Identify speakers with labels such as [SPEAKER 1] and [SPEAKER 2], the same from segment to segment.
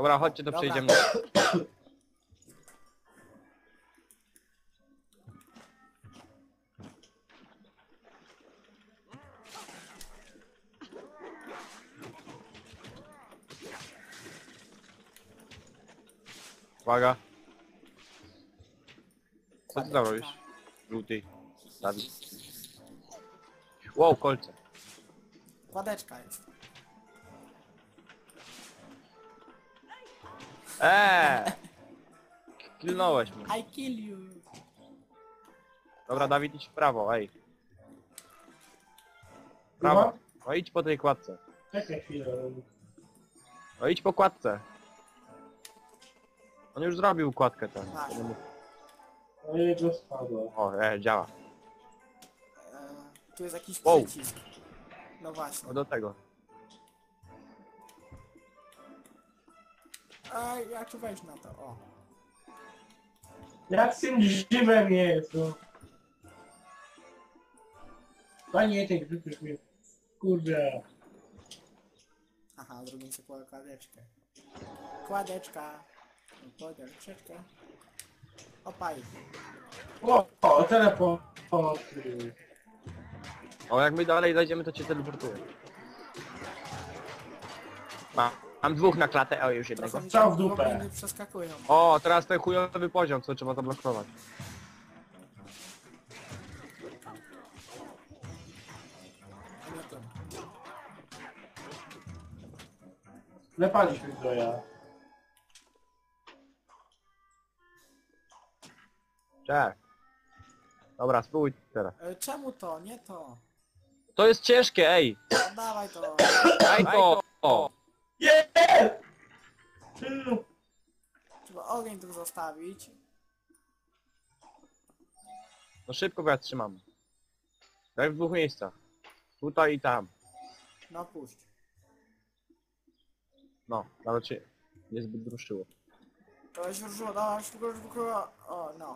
[SPEAKER 1] Dobra, chodźcie, to
[SPEAKER 2] Dobra.
[SPEAKER 1] przejdziemy. Uwaga. Co ty tam robisz? Żółty. Dawid. Wow, kolce.
[SPEAKER 2] Kładeczka jest.
[SPEAKER 1] Kilnąłeś mnie.
[SPEAKER 2] I kill you.
[SPEAKER 1] Dobra, Dawid, idź w prawo, ej. Prawo. No idź po tej kładce.
[SPEAKER 3] Czekaj chwilę.
[SPEAKER 1] No idź po kładce. On już zrobił kładkę tam.
[SPEAKER 2] Tak.
[SPEAKER 3] No jego spadło.
[SPEAKER 1] O, działa.
[SPEAKER 2] Tu jest jakiś
[SPEAKER 1] Wow.
[SPEAKER 2] przycisk. No właśnie.
[SPEAKER 1] No do tego.
[SPEAKER 2] A ja tu wejść na to, o.
[SPEAKER 3] Jak z tym żywem jest, no. Panie, ty grzybisz mnie. Kurde.
[SPEAKER 2] Aha, zrobimy sobie kładeczkę. Kładeczka. Kładeczkę. Opaj.
[SPEAKER 3] O, teleport.
[SPEAKER 1] O, jak my dalej zajdziemy, to cię teleportuję. Mam dwóch na klatę, o już jednego.
[SPEAKER 2] Trochę mi
[SPEAKER 3] Strzał
[SPEAKER 2] tam
[SPEAKER 3] w dupę.
[SPEAKER 2] gobliny przeskakują.
[SPEAKER 1] O, teraz ten chujowy poziom, co trzeba zablokować.
[SPEAKER 2] A nie tym.
[SPEAKER 3] Lepaliśmy Zoja.
[SPEAKER 1] Cześć. Dobra, spróbuj teraz.
[SPEAKER 2] Czemu to? Nie to.
[SPEAKER 1] To jest ciężkie, ej!
[SPEAKER 2] No, dawaj to.
[SPEAKER 1] Daj to! O.
[SPEAKER 3] Jest!
[SPEAKER 2] Trzeba ogień tu zostawić.
[SPEAKER 1] No szybko, bo ja trzymam. Daj w dwóch miejscach. Tutaj i tam.
[SPEAKER 2] No puść.
[SPEAKER 1] No, nawet się niezbyt ruszyło.
[SPEAKER 2] To się ruszyło, dawaj, szybko. O, no.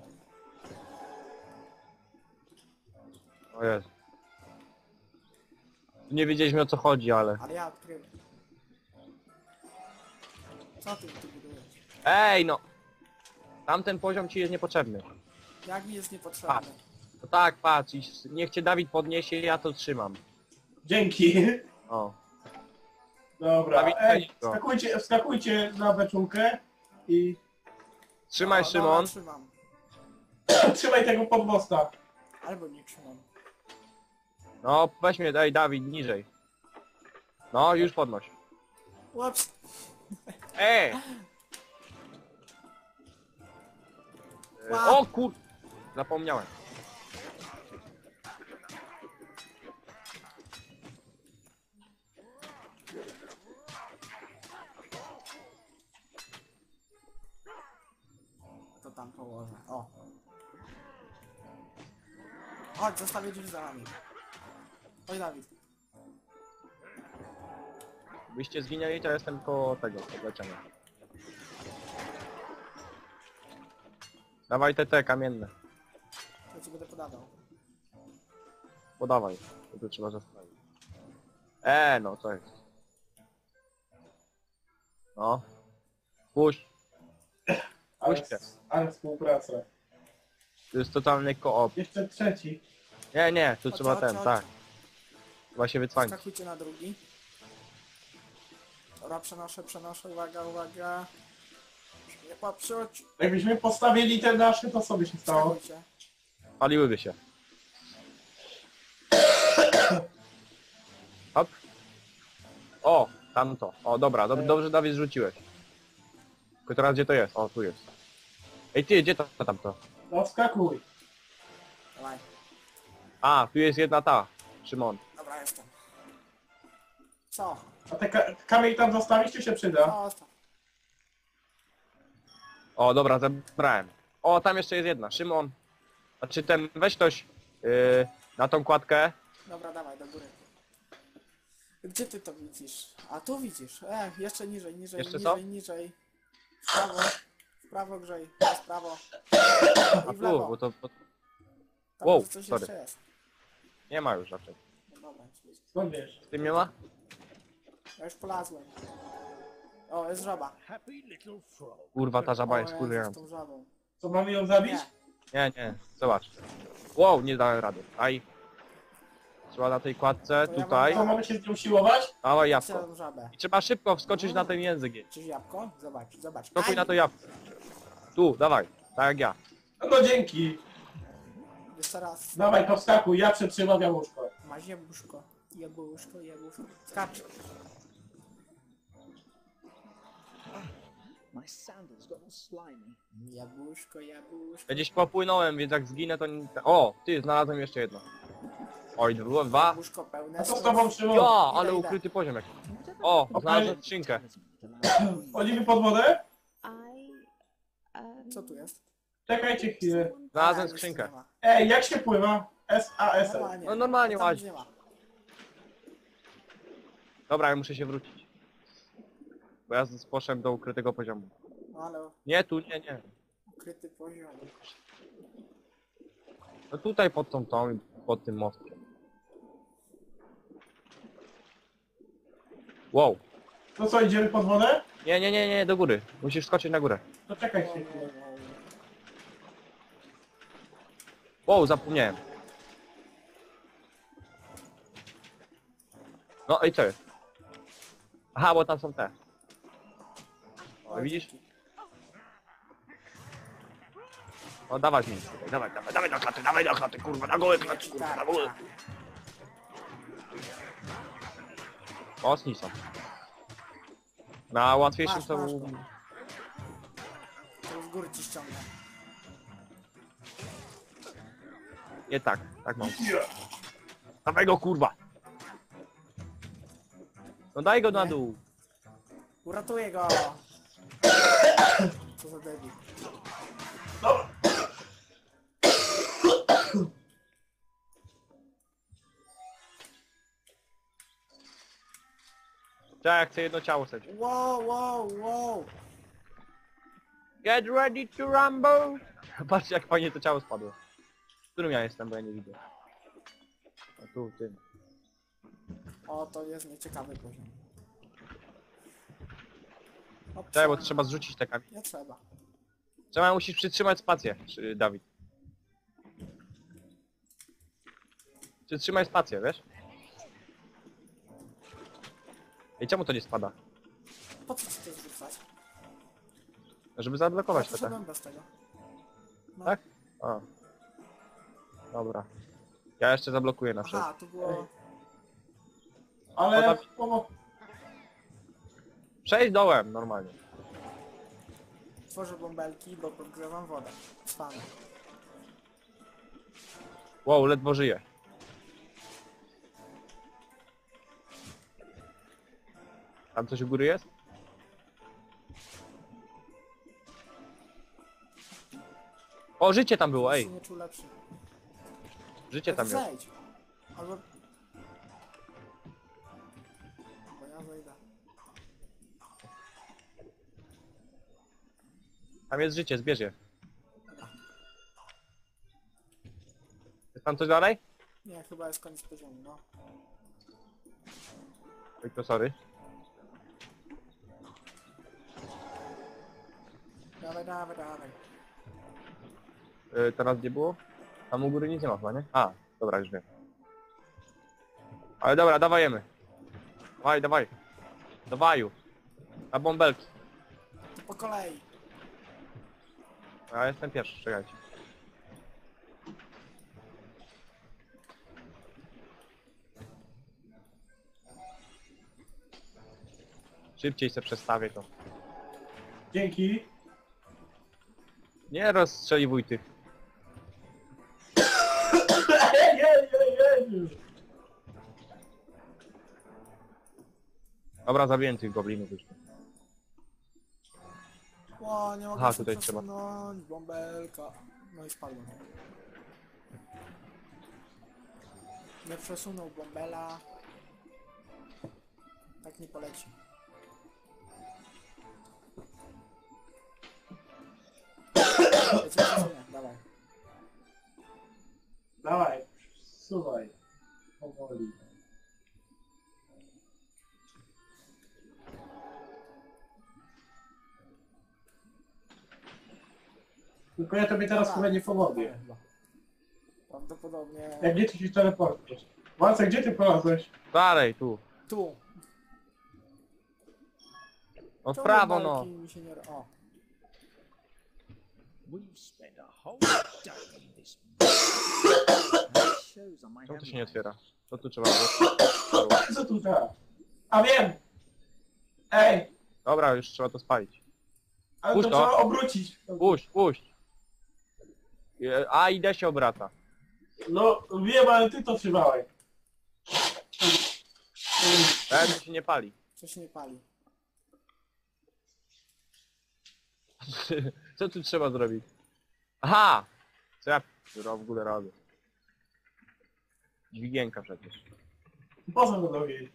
[SPEAKER 1] O Jezu. Nie wiedzieliśmy, o co chodzi, ale...
[SPEAKER 2] Ale ja odkryłem. Co ty tu budujesz?
[SPEAKER 1] Ej, no! Tamten poziom ci jest niepotrzebny.
[SPEAKER 2] Jak mi jest niepotrzebny?
[SPEAKER 1] No tak, patrz, niech cię Dawid podniesie, ja to trzymam.
[SPEAKER 3] Dzięki.
[SPEAKER 1] O.
[SPEAKER 3] Dobra,
[SPEAKER 1] Dawid,
[SPEAKER 3] ej,
[SPEAKER 1] weź go.
[SPEAKER 3] wskakujcie na beczulkę i
[SPEAKER 1] Trzymaj,
[SPEAKER 2] O,
[SPEAKER 1] Szymon.
[SPEAKER 2] Dobra, trzymam.
[SPEAKER 3] trzymaj tego podmosta.
[SPEAKER 2] Albo nie trzymam.
[SPEAKER 1] No, weź mnie, daj, Dawid, niżej. No, już podnoś.
[SPEAKER 2] Ups.
[SPEAKER 1] Ej!
[SPEAKER 2] Wow.
[SPEAKER 1] O kur... Zapomniałem.
[SPEAKER 2] To tam położę. O. Chodź, zostawię drzwi za nami. Oj, Dawid.
[SPEAKER 1] Byście zginęli, to jestem koło tego, podleczenia. Dawaj te kamienne.
[SPEAKER 2] Ja ci będę podawał.
[SPEAKER 1] Podawaj. To trzeba zostawić. No, co jest? No. Puść.
[SPEAKER 3] Ale,
[SPEAKER 1] Puśćcie.
[SPEAKER 3] ale współpraca.
[SPEAKER 1] To jest totalny koop.
[SPEAKER 3] Jeszcze trzeci.
[SPEAKER 1] Nie, tu
[SPEAKER 2] Chodź,
[SPEAKER 1] trzeba
[SPEAKER 2] chodź,
[SPEAKER 1] ten,
[SPEAKER 2] chodź.
[SPEAKER 1] tak. Trzeba się wycwanić.
[SPEAKER 2] Skakujcie na drugi. Dobra, przenoszę, uwaga. Nie patrzeć.
[SPEAKER 3] Jakbyśmy postawili te nasze, to co by się stało?
[SPEAKER 2] Skakujcie.
[SPEAKER 1] Paliłyby się. Hop. O, tamto. O, dobra, dobrze Dawid zrzuciłeś. Tylko teraz gdzie to jest? O, tu jest. Ej ty, gdzie to tamto?
[SPEAKER 3] No wskakuj.
[SPEAKER 2] Dawaj.
[SPEAKER 1] A, tu jest jedna ta. Szymon.
[SPEAKER 2] Dobra, jestem. Co?
[SPEAKER 3] A te kamień tam zostawić, czy się przyda?
[SPEAKER 2] Zostaw.
[SPEAKER 1] O, dobra, zebrałem. O, tam jeszcze jest jedna. Szymon. Znaczy ten, weź ktoś na tą kładkę.
[SPEAKER 2] Dobra, dawaj, do góry. Gdzie ty to widzisz? A tu widzisz. Jeszcze niżej,
[SPEAKER 1] Jeszcze co?
[SPEAKER 2] niżej. W prawo grzej. W prawo.
[SPEAKER 1] A
[SPEAKER 2] I w
[SPEAKER 1] tu,
[SPEAKER 2] lewo.
[SPEAKER 1] bo to...
[SPEAKER 2] Tam
[SPEAKER 1] Wow,
[SPEAKER 2] może coś
[SPEAKER 1] sorry.
[SPEAKER 2] jeszcze jest.
[SPEAKER 1] Nie ma już raczej.
[SPEAKER 2] No dobra,
[SPEAKER 3] Skąd wiesz?
[SPEAKER 1] Z tym nie ma?
[SPEAKER 2] ja już polazłem. O, jest żaba.
[SPEAKER 1] Kurwa, ta żaba jest
[SPEAKER 2] O,
[SPEAKER 1] kurwa.
[SPEAKER 2] z tą żabą.
[SPEAKER 3] Co, mamy ją zabić?
[SPEAKER 2] Nie.
[SPEAKER 1] Nie, zobacz. Wow, nie dałem rady. Aj. Trzeba na tej kładce,
[SPEAKER 2] To ja
[SPEAKER 1] tutaj.
[SPEAKER 3] Co, mamy się z nią siłować?
[SPEAKER 1] Dawaj
[SPEAKER 2] Patrzcie na
[SPEAKER 1] jabłko.
[SPEAKER 2] tą żabę.
[SPEAKER 1] I trzeba szybko wskoczyć na ten język.
[SPEAKER 2] Czyż jabłko? Zobacz, zobacz.
[SPEAKER 1] Skokuj
[SPEAKER 2] Aj!
[SPEAKER 1] na to jabłko. Tu, dawaj. Tak jak ja.
[SPEAKER 3] No dzięki.
[SPEAKER 2] Jeszcze raz.
[SPEAKER 3] Dawaj, to wskakuj, ja przetrzymam jabłuszko.
[SPEAKER 2] Masz jabłuszko. Jabłuszko, jabłuszko. Skacz.
[SPEAKER 4] My sandals got all slimy.
[SPEAKER 2] Jabłuszko, jabłuszko.
[SPEAKER 1] Ja gdzieś popłynąłem, więc jak zginę to nie... O, ty, znalazłem jeszcze jedno. Oj, było dwa.
[SPEAKER 2] Jabłuszko pełne.
[SPEAKER 3] A co z tobą, Szymon?
[SPEAKER 1] Ja, ale
[SPEAKER 2] Idę.
[SPEAKER 1] ukryty poziom jakiś. O, znalazłem skrzynkę.
[SPEAKER 3] Wchodzimy pod wodę?
[SPEAKER 2] Co tu jest?
[SPEAKER 3] Czekajcie chwilę.
[SPEAKER 1] Znalazłem
[SPEAKER 2] A,
[SPEAKER 1] skrzynkę.
[SPEAKER 2] nic nie ma.
[SPEAKER 3] Ej, jak się pływa? S-A-S-L.
[SPEAKER 2] Normalnie.
[SPEAKER 1] No normalnie
[SPEAKER 2] Tam
[SPEAKER 1] łaź.
[SPEAKER 2] nic nie ma.
[SPEAKER 1] Dobra, ja muszę się wrócić. Bo ja poszedłem do ukrytego poziomu.
[SPEAKER 2] No ale
[SPEAKER 1] Nie, tu, nie.
[SPEAKER 2] ukryty poziom.
[SPEAKER 1] No tutaj pod tą i pod tym mostkiem. Wow.
[SPEAKER 3] To co, idziemy pod wodę?
[SPEAKER 1] Nie, do góry. Musisz skoczyć na górę.
[SPEAKER 3] To czekajcie chwilę.
[SPEAKER 1] Wow, zapomniałem. No i co jest? Aha, bo tam są te. O, widzisz? O, dawać mi. Dawaj do klaty, kurwa, na gołe klaty, kurwa, na gołe. Mocni są. Na łatwiejszym
[SPEAKER 2] Masz,
[SPEAKER 1] to...
[SPEAKER 2] masz go. To z góry ci ściągnę.
[SPEAKER 1] Nie tak, tak mam. Dawaj go, kurwa. No daj go na
[SPEAKER 2] Nie.
[SPEAKER 1] dół.
[SPEAKER 2] Uratuję go! Co za debil.
[SPEAKER 1] Tak, chcę jedno ciało stać.
[SPEAKER 2] Wow.
[SPEAKER 1] Get ready to rumble! Patrzcie jak fajnie to ciało spadło. W którym ja jestem, bo ja nie widzę. A tu, tym.
[SPEAKER 2] O, to jest nieciekawy poziom.
[SPEAKER 1] Czekaj, bo trzeba zrzucić te kamienie.
[SPEAKER 2] Nie trzeba.
[SPEAKER 1] Trzeba, musisz przytrzymać spację, Dawid. Przytrzymaj spację, wiesz? I czemu to nie spada?
[SPEAKER 2] Po co ci to zrzucać?
[SPEAKER 1] Żeby zablokować
[SPEAKER 2] Ja
[SPEAKER 1] to.
[SPEAKER 2] poszedłem bez tego. No.
[SPEAKER 1] Tak? O. Dobra. Ja jeszcze zablokuję na wszelki.
[SPEAKER 2] Aha, tu było...
[SPEAKER 3] Ale...
[SPEAKER 1] O, Przejdź dołem, normalnie.
[SPEAKER 2] Tworzę bąbelki, bo podgrzewam wodę. Cwany.
[SPEAKER 1] Wow, ledwo żyję. Tam coś u góry jest? O, życie tam było,
[SPEAKER 2] Się
[SPEAKER 1] ej.
[SPEAKER 2] nie czuł lepszy.
[SPEAKER 1] Życie tam jest.
[SPEAKER 2] Zejdź. Albo... Bo ja zejdę.
[SPEAKER 1] Tam jest życie, zbierz je. Jest tam coś dalej?
[SPEAKER 2] Nie, chyba jest koniec poziomu, no.
[SPEAKER 1] Oj, to sorry.
[SPEAKER 2] Dawaj.
[SPEAKER 1] Teraz gdzie było? Tam u góry nic nie ma chyba, nie? A, dobra, już wiem. Ale dobra, dawajemy. Dawaj. Dawaju. Na bąbelki.
[SPEAKER 2] To po kolei.
[SPEAKER 1] Ja jestem pierwszy, czekajcie. Szybciej se przestawię to.
[SPEAKER 3] Dzięki.
[SPEAKER 1] Nie rozstrzeliwuj tych.
[SPEAKER 3] Ej.
[SPEAKER 1] Dobra, zabiję tych goblinów już.
[SPEAKER 2] O, nie mogę
[SPEAKER 1] Aha,
[SPEAKER 2] się
[SPEAKER 1] tutaj trzeba.
[SPEAKER 2] przesunąć, bąbelka. No i spadłem. Nie przesunął bąbela. Tak nie poleci. Wiecie, co nie? Dawaj.
[SPEAKER 3] Dawaj, suwaj. Powoli. Tylko ja tobie teraz chyba nie pomogę.
[SPEAKER 2] Prawdopodobnie...
[SPEAKER 3] Jak gdzie ty się teleportujesz? Walce, gdzie ty polazłeś?
[SPEAKER 1] Dalej, tu.
[SPEAKER 2] Tu.
[SPEAKER 1] No w
[SPEAKER 2] Czemu
[SPEAKER 1] prawo,
[SPEAKER 2] belki
[SPEAKER 1] no.
[SPEAKER 2] mi się nie... O.
[SPEAKER 4] We've spent a whole day in this. That shows on my
[SPEAKER 1] Czemu to się nie
[SPEAKER 4] handwriting.
[SPEAKER 1] otwiera? To tu trzeba było.
[SPEAKER 3] Co tu teraz? A wiem! Ej!
[SPEAKER 1] Dobra, już trzeba to spalić.
[SPEAKER 3] Ale
[SPEAKER 1] Puść
[SPEAKER 3] to
[SPEAKER 1] to.
[SPEAKER 3] trzeba obrócić.
[SPEAKER 1] Puść, puść. A, idę się obraca.
[SPEAKER 3] No wiem, ale ty to trzymałeś.
[SPEAKER 1] Ten się nie pali.
[SPEAKER 2] Co się nie pali.
[SPEAKER 1] Co tu trzeba zrobić? Aha! Co ja w ogóle robię? Dźwigienka przecież.
[SPEAKER 3] Po co to robić?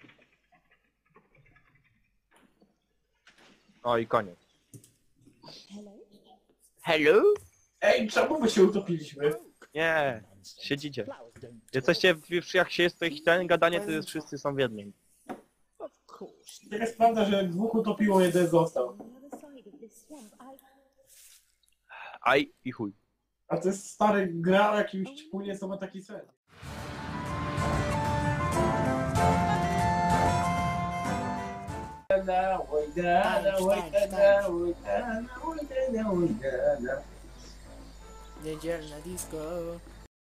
[SPEAKER 1] O i koniec. Hello?
[SPEAKER 3] Ej, czemu my się utopiliśmy?
[SPEAKER 1] Nie, siedzicie. Jesteście, jak się jest to ich ten gadanie, to jest, wszyscy są w jednym.
[SPEAKER 4] Of course.
[SPEAKER 3] Tak jest prawda, że dwóch utopiło, jeden został.
[SPEAKER 1] Aj i chuj.
[SPEAKER 3] A to jest stary gra o jakimś płynie, co ma taki sens.
[SPEAKER 2] Niedzielne disco.